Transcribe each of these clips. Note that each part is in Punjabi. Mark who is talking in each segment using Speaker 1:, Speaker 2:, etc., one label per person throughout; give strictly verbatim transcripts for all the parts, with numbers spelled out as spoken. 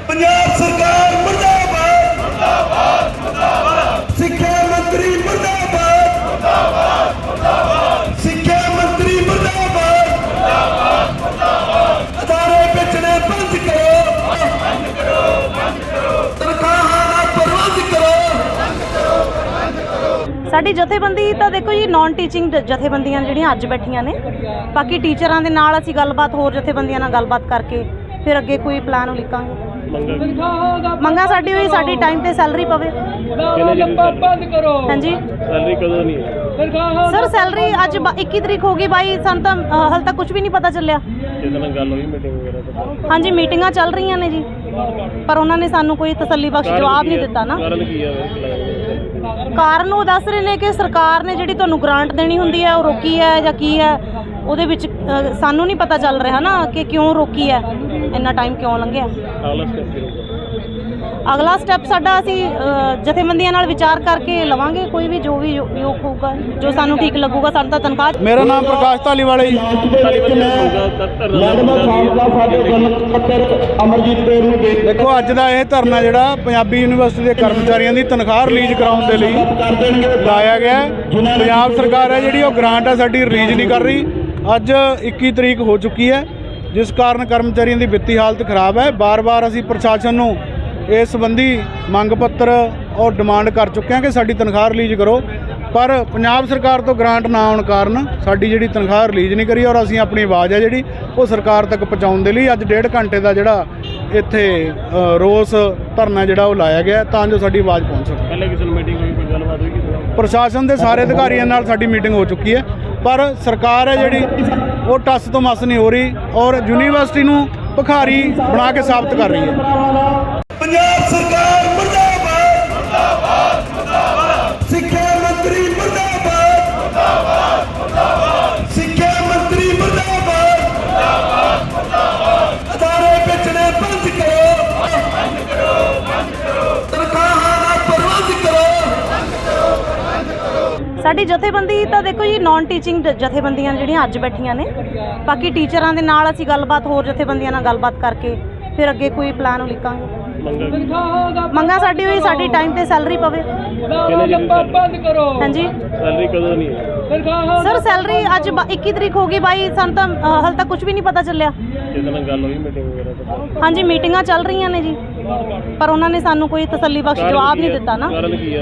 Speaker 1: पंजाब सरकार मुर्दाबाद मुर्दाबाद मुर्दाबाद सिक्ख्या मंत्री मुर्दाबाद मुर्दाबाद मुर्दाबाद सिक्ख्या मंत्री मुर्दाबाद मुर्दाबाद मुर्दाबाद अदारे बेचने बंद करो बंद करो बंद करो तनख्वाहां ना बंद करो बंद करो बंद करो।
Speaker 2: साडी जथेबंदी तो देखो जी नॉन टीचिंग जथेबंदियां ਜਿਹੜੀਆਂ ਅੱਜ ਬੈਠੀਆਂ ਨੇ ਬਾਕੀ ਟੀਚਰਾਂ ਦੇ ਨਾਲ ਅਸੀਂ ਗੱਲਬਾਤ ਹੋਰ ਜਥੇਬੰਦੀਆਂ ਨਾਲ ਗੱਲਬਾਤ ਕਰਕੇ ਫਿਰ ਅੱਗੇ ਕੋਈ ਪਲਾਨ ਉਲੀਕਾਂਗੇ। ਮੰਗਾ ਸਾਡੀ ਹੋਈ ਸਾਡੀ ਟਾਈਮ ਤੇ ਸੈਲਰੀ ਪਵੇ।
Speaker 3: ਬੰਦ ਕਰੋ।
Speaker 2: ਹਾਂਜੀ
Speaker 3: ਸੈਲਰੀ ਕਦੋਂ ਨਹੀਂ ਹੈ
Speaker 2: ਸਰ? ਸੈਲਰੀ ਅੱਜ ਇੱਕੀ ਤਰੀਕ ਹੋ ਗਈ ਬਾਈ, ਸਾਨੂੰ ਤਾਂ ਹਾਲੇ ਤੱਕ ਕੁਝ ਵੀ ਨਹੀਂ ਪਤਾ ਚੱਲਿਆ।
Speaker 3: ਜਿਹਦੇ ਨਾਲ ਗੱਲ ਹੋਈ ਮੀਟਿੰਗ ਵਗੈਰਾ ਤਾਂ
Speaker 2: ਹਾਂਜੀ ਮੀਟਿੰਗਾਂ ਚੱਲ ਰਹੀਆਂ ਨੇ ਜੀ, ਪਰ ਉਹਨਾਂ ਨੇ ਸਾਨੂੰ ਕੋਈ ਤਸੱਲੀ ਬਖਸ਼ ਜਵਾਬ ਨਹੀਂ ਦਿੱਤਾ ਨਾ।
Speaker 3: ਕਾਰਨ ਕੀ ਹੈ?
Speaker 2: ਕਾਰਨ ਉਹ ਦੱਸ ਰਹੇ ਨੇ ਕਿ ਸਰਕਾਰ ਨੇ ਜਿਹੜੀ ਤੁਹਾਨੂੰ ਗ੍ਰਾਂਟ ਦੇਣੀ ਹੁੰਦੀ ਹੈ ਉਹ ਰੋਕੀ ਹੈ ਜਾਂ ਕੀ ਹੈ, ਉਹਦੇ ਵਿੱਚ ਅ, ਸਾਨੂੰ ਨਹੀਂ ਪਤਾ ਚੱਲ ਰਿਹਾ ਨਾ ਕਿ ਕਿਉਂ ਰੋਕੀ ਹੈ, ਇੰਨਾ ਟਾਈਮ ਕਿਉਂ ਲੰਘਿਆ।
Speaker 3: ਅਗਲਾ ਸਟੈਪ ਕੀ ਹੋਊਗਾ?
Speaker 2: ਅਗਲਾ ਸਟੈਪ ਸਾਡਾ ਅਸੀਂ ਅ, ਜਥੇਬੰਦੀਆਂ ਨਾਲ ਵਿਚਾਰ ਕਰਕੇ ਲਵਾਂਗੇ, ਕੋਈ ਵੀ ਜੋ ਵੀ ਯੋ- ਯੋਗ ਹੋਊਗਾ, ਜੋ ਸਾਨੂੰ ਠੀਕ ਲੱਗੂਗਾ। ਸਾਨੂੰ ਤਾਂ ਤਨਖਾਹ।
Speaker 4: ਮੇਰਾ ਨਾਮ ਪ੍ਰਕਾਸ਼ ਧਾਲੀਵਾਲਾ ਜੀ। ਦੇਖੋ ਅੱਜ ਦਾ ਇਹ ਧਰਨਾ ਜਿਹੜਾ ਪੰਜਾਬੀ ਯੂਨੀਵਰਸਿਟੀ ਦੇ ਕਰਮਚਾਰੀਆਂ ਦੀ ਤਨਖਾਹ ਰਿਲੀਜ਼ ਕਰਾਉਣ ਦੇ ਲਈ ਲਾਇਆ ਗਿਆ। ਪੰਜਾਬ ਸਰਕਾਰ ਹੈ ਜਿਹੜੀ ਉਹ ਗ੍ਰਾਂਟ ਹੈ ਸਾਡੀ ਰਿਲੀਜ਼ ਨਹੀਂ ਕਰ ਰਹੀ। ਅੱਜ ਇੱਕੀ ਤਰੀਕ ਹੋ ਚੁੱਕੀ ਹੈ, ਜਿਸ ਕਾਰਨ ਕਰਮਚਾਰੀਆਂ ਦੀ ਵਿੱਤੀ ਹਾਲਤ ਖਰਾਬ ਹੈ। ਬਾਰ-ਬਾਰ ਅਸੀਂ ਪ੍ਰਸ਼ਾਸਨ ਨੂੰ ਇਸ ਸੰਬੰਧੀ ਮੰਗ ਪੱਤਰ ਔਰ ਡਿਮਾਂਡ ਕਰ ਚੁੱਕੇ ਹਾਂ ਕਿ ਸਾਡੀ ਤਨਖਾਹ ਰਿਲੀਜ਼ ਕਰੋ, ਪਰ ਪੰਜਾਬ ਸਰਕਾਰ ਤੋਂ ਗ੍ਰਾਂਟ ਨਾ ਆਉਣ ਕਾਰਨ ਸਾਡੀ ਜਿਹੜੀ ਤਨਖਾਹ ਰਿਲੀਜ਼ ਨਹੀਂ ਕਰੀ। ਔਰ ਅਸੀਂ ਆਪਣੀ ਆਵਾਜ਼ ਹੈ ਜਿਹੜੀ ਉਹ ਸਰਕਾਰ ਤੱਕ ਪਹੁੰਚਾਉਣ ਦੇ ਲਈ ਅੱਜ ਡੇਢ ਘੰਟੇ ਦਾ ਜਿਹੜਾ ਇੱਥੇ ਰੋਸ ਧਰਨਾ ਜਿਹੜਾ ਉਹ ਲਾਇਆ ਗਿਆ ਤਾਂ ਜੋ ਸਾਡੀ ਆਵਾਜ਼ ਪਹੁੰਚ ਸਕੇ।
Speaker 3: ਪਹਿਲੇ ਕਿਸੇ ਨੂੰ ਮੀਟਿੰਗ ਹੋਈ, ਕੋਈ ਗੱਲਬਾਤ ਹੋਈ ਕਿਸੇ ਨਾਲ?
Speaker 4: ਪ੍ਰਸ਼ਾਸਨ ਦੇ ਸਾਰੇ ਅਧਿਕਾਰੀਆਂ ਨਾਲ ਸਾਡੀ ਮੀਟਿੰਗ ਹੋ ਚੁੱਕੀ ਹੈ, ਪਰ ਸਰਕਾਰ ਹੈ ਜਿਹੜੀ ਉਹ ਟੱਸ ਤੋਂ ਮਸ ਨਹੀਂ ਹੋ ਰਹੀ ਔਰ ਯੂਨੀਵਰਸਿਟੀ ਨੂੰ ਭਿਖਾਰੀ ਬਣਾ ਕੇ ਸਾਬਤ ਕਰ ਰਹੀ ਹੈ।
Speaker 1: पंजाब सरकार मुर्दाबाद मुर्दाबाद मुर्दाबाद सिक्ख्या मंत्री मुर्दाबाद मुर्दाबाद मुर्दाबाद सिक्ख्या मंत्री मुर्दाबाद मुर्दाबाद मुर्दाबाद अदारे बेचने बंद करो बंद करो बंद करो तनख्वाहां ना बंद करो बंद करो बंद करो।
Speaker 2: ਸਾਡੀ ਜਥੇਬੰਦੀ ਤਾਂ ਦੇਖੋ ਜੀ ਨॉन ਟੀਚਿੰਗ ਜਥੇਬੰਦੀਆਂ ਜਿਹੜੀਆਂ ਅੱਜ ਬੈਠੀਆਂ ਨੇ ਬਾਕੀ ਟੀਚਰਾਂ ਦੇ ਨਾਲ ਅਸੀਂ ਗੱਲਬਾਤ ਹੋਰ ਜਥੇਬੰਦੀਆਂ ਨਾਲ ਗੱਲਬਾਤ ਕਰਕੇ ਫਿਰ ਅੱਗੇ ਕੋਈ ਪਲਾਨ ਉਲੀਕਾਂਗੇ। ਮੰਗਾ ਸਾਡੀ ਹੋਈ ਸਾਡੀ ਟਾਈਮ ਤੇ ਸੈਲਰੀ ਪਵੇ।
Speaker 3: ਬੰਦ ਕਰੋ।
Speaker 2: ਹਾਂਜੀ
Speaker 3: ਸੈਲਰੀ ਕਦੋਂ ਨਹੀਂ ਹੈ
Speaker 2: ਸਰ? ਸੈਲਰੀ ਅੱਜ ਇੱਕੀ ਤਰੀਕ ਹੋ ਗਈ ਬਾਈ, ਸਾਨੂੰ ਤਾਂ ਹਾਲੇ ਤੱਕ ਕੁਝ ਵੀ ਨਹੀਂ ਪਤਾ ਚੱਲਿਆ।
Speaker 3: ਜਿਹਦੇ ਨਾਲ ਗੱਲ ਹੋਈ ਮੀਟਿੰਗ ਵਗੈਰਾ ਤਾਂ
Speaker 2: ਹਾਂਜੀ ਮੀਟਿੰਗਾਂ ਚੱਲ ਰਹੀਆਂ ਨੇ ਜੀ, ਪਰ ਉਹਨਾਂ ਨੇ ਸਾਨੂੰ ਕੋਈ ਤਸੱਲੀ ਬਖਸ਼ ਜਵਾਬ ਨਹੀਂ ਦਿੱਤਾ ਨਾ।
Speaker 3: ਕਾਰਨ ਕੀ ਹੈ?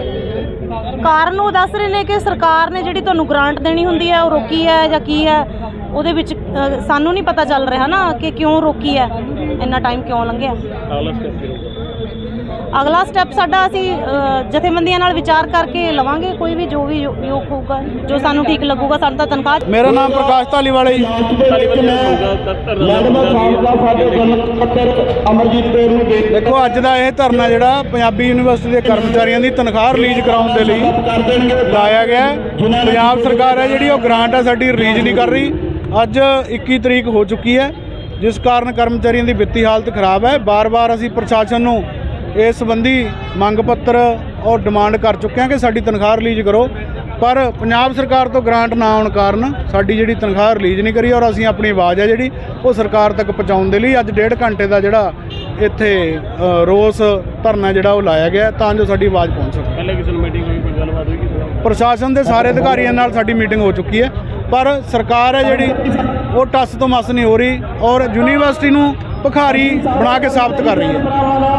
Speaker 2: ਕਾਰਨ ਉਹ ਦੱਸ ਰਹੇ ਨੇ ਕਿ ਸਰਕਾਰ ਨੇ ਜਿਹੜੀ ਤੁਹਾਨੂੰ ਗ੍ਰਾਂਟ ਦੇਣੀ ਹੁੰਦੀ ਹੈ ਉਹ ਰੋਕੀ ਹੈ ਜਾਂ ਕੀ ਹੈ, ਉਹਦੇ ਵਿੱਚ ਅ, ਸਾਨੂੰ ਨਹੀਂ ਪਤਾ ਚੱਲ ਰਿਹਾ ਨਾ ਕਿ ਕਿਉਂ ਰੋਕੀ ਹੈ, ਇੰਨਾ ਟਾਈਮ ਕਿਉਂ ਲੰਘਿਆ।
Speaker 3: ਅਗਲਾ ਸਟੈਪ ਕੀ ਹੋਊਗਾ?
Speaker 2: ਅਗਲਾ ਸਟੈਪ ਸਾਡਾ ਅਸੀਂ ਅ, ਜਥੇਬੰਦੀਆਂ ਨਾਲ ਵਿਚਾਰ ਕਰਕੇ ਲਵਾਂਗੇ, ਕੋਈ ਵੀ ਜੋ ਵੀ ਯੋ- ਯੋਗ ਹੋਊਗਾ, ਜੋ ਸਾਨੂੰ ਠੀਕ ਲੱਗੂਗਾ। ਸਾਨੂੰ ਤਾਂ ਤਨਖਾਹ।
Speaker 4: ਮੇਰਾ ਨਾਮ ਪ੍ਰਕਾਸ਼ ਧਾਲੀਵਾਲਾ ਜੀ। ਦੇਖੋ ਅੱਜ ਦਾ ਇਹ ਧਰਨਾ ਜਿਹੜਾ ਪੰਜਾਬੀ ਯੂਨੀਵਰਸਿਟੀ ਦੇ ਕਰਮਚਾਰੀਆਂ ਦੀ ਤਨਖਾਹ ਰਿਲੀਜ਼ ਕਰਾਉਣ ਦੇ ਲਈ ਲਾਇਆ ਗਿਆ। ਪੰਜਾਬ ਸਰਕਾਰ ਹੈ ਜਿਹੜੀ ਉਹ ਗ੍ਰਾਂਟ ਹੈ ਸਾਡੀ ਰਿਲੀਜ਼ ਨਹੀਂ ਕਰ ਰਹੀ। ਅੱਜ ਇੱਕੀ ਤਰੀਕ ਹੋ ਚੁੱਕੀ ਹੈ, ਜਿਸ ਕਾਰਨ ਕਰਮਚਾਰੀਆਂ ਦੀ ਵਿੱਤੀ ਹਾਲਤ ਖਰਾਬ ਹੈ। ਬਾਰ-ਬਾਰ ਅਸੀਂ ਪ੍ਰਸ਼ਾਸਨ ਨੂੰ ਇਸ ਸੰਬੰਧੀ ਮੰਗ ਪੱਤਰ ਔਰ ਡਿਮਾਂਡ ਕਰ ਚੁੱਕੇ ਹਾਂ ਕਿ ਸਾਡੀ ਤਨਖਾਹ ਰਿਲੀਜ਼ ਕਰੋ, ਪਰ ਪੰਜਾਬ ਸਰਕਾਰ ਤੋਂ ਗ੍ਰਾਂਟ ਨਾ ਆਉਣ ਕਾਰਨ ਸਾਡੀ ਜਿਹੜੀ ਤਨਖਾਹ ਰਿਲੀਜ਼ ਨਹੀਂ ਕਰੀ। ਔਰ ਅਸੀਂ ਆਪਣੀ ਆਵਾਜ਼ ਹੈ ਜਿਹੜੀ ਉਹ ਸਰਕਾਰ ਤੱਕ ਪਹੁੰਚਾਉਣ ਦੇ ਲਈ ਅੱਜ ਡੇਢ ਘੰਟੇ ਦਾ ਜਿਹੜਾ ਇੱਥੇ ਰੋਸ ਧਰਨਾ ਜਿਹੜਾ ਉਹ ਲਾਇਆ ਗਿਆ ਤਾਂ ਜੋ ਸਾਡੀ ਆਵਾਜ਼ ਪਹੁੰਚ ਸਕੇ।
Speaker 3: ਪਹਿਲੇ ਕਿਸੇ ਨੂੰ ਮੀਟਿੰਗ ਹੋਈ, ਕੋਈ ਗੱਲਬਾਤ ਹੋਈ ਕਿਸੇ ਨਾਲ?
Speaker 4: ਪ੍ਰਸ਼ਾਸਨ ਦੇ ਸਾਰੇ ਅਧਿਕਾਰੀਆਂ ਨਾਲ ਸਾਡੀ ਮੀਟਿੰਗ ਹੋ ਚੁੱਕੀ ਹੈ, ਪਰ ਸਰਕਾਰ ਹੈ ਜਿਹੜੀ ਉਹ ਟੱਸ ਤੋਂ ਮਸ ਨਹੀਂ ਹੋ ਰਹੀ ਔਰ ਯੂਨੀਵਰਸਿਟੀ ਨੂੰ ਭਿਖਾਰੀ ਬਣਾ ਕੇ ਸਾਬਤ ਕਰ ਰਹੀ ਹੈ।